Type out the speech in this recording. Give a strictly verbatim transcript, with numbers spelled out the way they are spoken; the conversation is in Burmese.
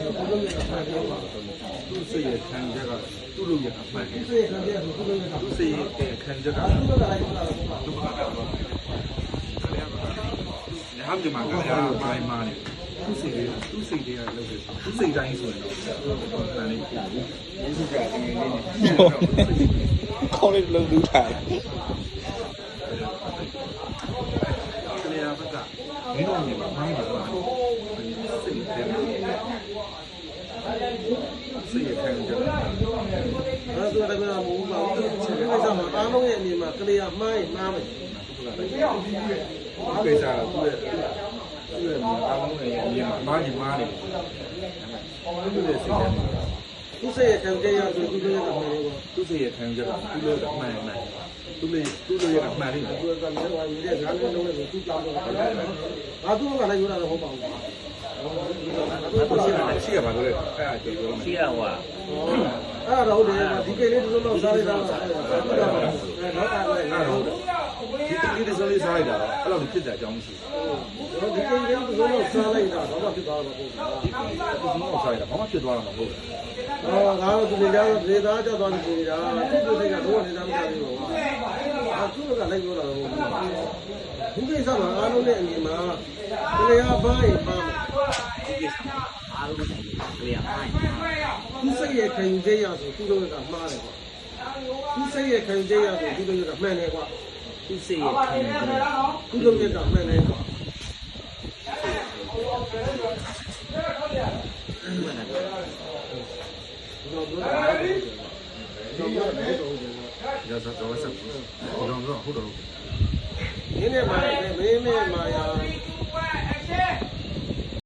သူ့လုပ်ရတာမှန်တယ်ပါသူ့စိတ်ရဲ့ခံချက်ကသူ့လုပ်ရတာမှန်တယ်စိတ်ခံချက်ဆိုသူ့လုပ်ရတာသူ့စိတ်ရဲ့ခံချက်ကသူ့လုပ်ရတာလည်းသူ့ဘာသာတော့ဟာမြမကလည်းပိုင်းမာနေသူ့စိတ်လေးသူ့စိတ်လေးကလုပ်တယ်သူ့စိတ်တိုင်းဆိုရင်တော့တန်လေးပြဘူးယေရှုကတကယ်လေးနဲ့ခေါင်းလေးလုံးလူးထားတယ်ကလေးကဘက်ကမင်းတို့နေမှာမိုင်းတယ်ကွာစိတ်တယ်စိတ်ရခံကြတယ်အဲဆိုတော့လည်းမဟုတ်ပါဘူးအဲ့ဒါမှအားလုံးရဲ့အမြင်မှာကလေးကမှားရင်မှားမယ်ဒီကိစ္စကသူ့ရဲ့သူ့ရဲ့အားလုံးရဲ့အမြင်မှာမှားရင်မှားတယ်သူ့ရဲ့စိတ်ထဲမှာသူ့စိတ်ရခံကြရဆိုသူ့ရဲ့အမှန်လေးကိုသူ့စိတ်ရခံကြတာသူ့ရဲ့အမှန်မှန်သူ့လေသူ့ရဲ့အမှန်လေးကိုသူကလည်းဟိုရတဲ့ဇာတ်လုံးလုံးလေးကိုသူ့ကြောင်းတော့ငါသူ့ကလည်းပြောတာတော့ဟုတ်ပါဘူးရှိရပါလို့လေအဲ့ဒါကြည့်လို့ရှိရဟွာအဲ့ဒါဟုတ်တယ်ဒီကိလေးတို့တော့စားရတာအဲ့ဒါတော့အဲ့ဒါဟုတ်တယ်ဒီကိလေးတို့စားရတာအဲ့လိုဖြစ်တဲ့အကြောင်းမရှိဘူးဒီကိလေးတို့တော့စားလိုက်တာတော့ဖြစ်သွားတော့ဟုတ်တယ်ဒီကိလေးတို့စားရတာဘာမှဖြစ်သွားတာမဟုတ်ဘူးအော်ငါတို့ဒီကြားဒေသားကြောက်သွားပြီကြာသူ့တို့ကတော့တော့နေသားမကြဘူးပေါ့အာသူ့ကလည်းပြောတာတော့ဒီကိစ္စမှာအားလုံးနဲ့အမြင်မှာတရားဘာရင်ပါမယ်အားလုံးကလေးအားသူစိတ်ရဲ့ခံယူချက်ရဆိုသူတို့ကမှားတယ်ကွာသူစိတ်ရဲ့ခံယူချက်ရဆိုသူတို့ကမှန်တယ်ကွာသူစိတ်ရဲ့ခံယူချက်သူတို့ကမှန်တယ်ကွာရသတော့ဆက်ဘူးတော့တော့ဟုတ်တော့မင်းနဲ့မာမင်းနဲ့မာယာ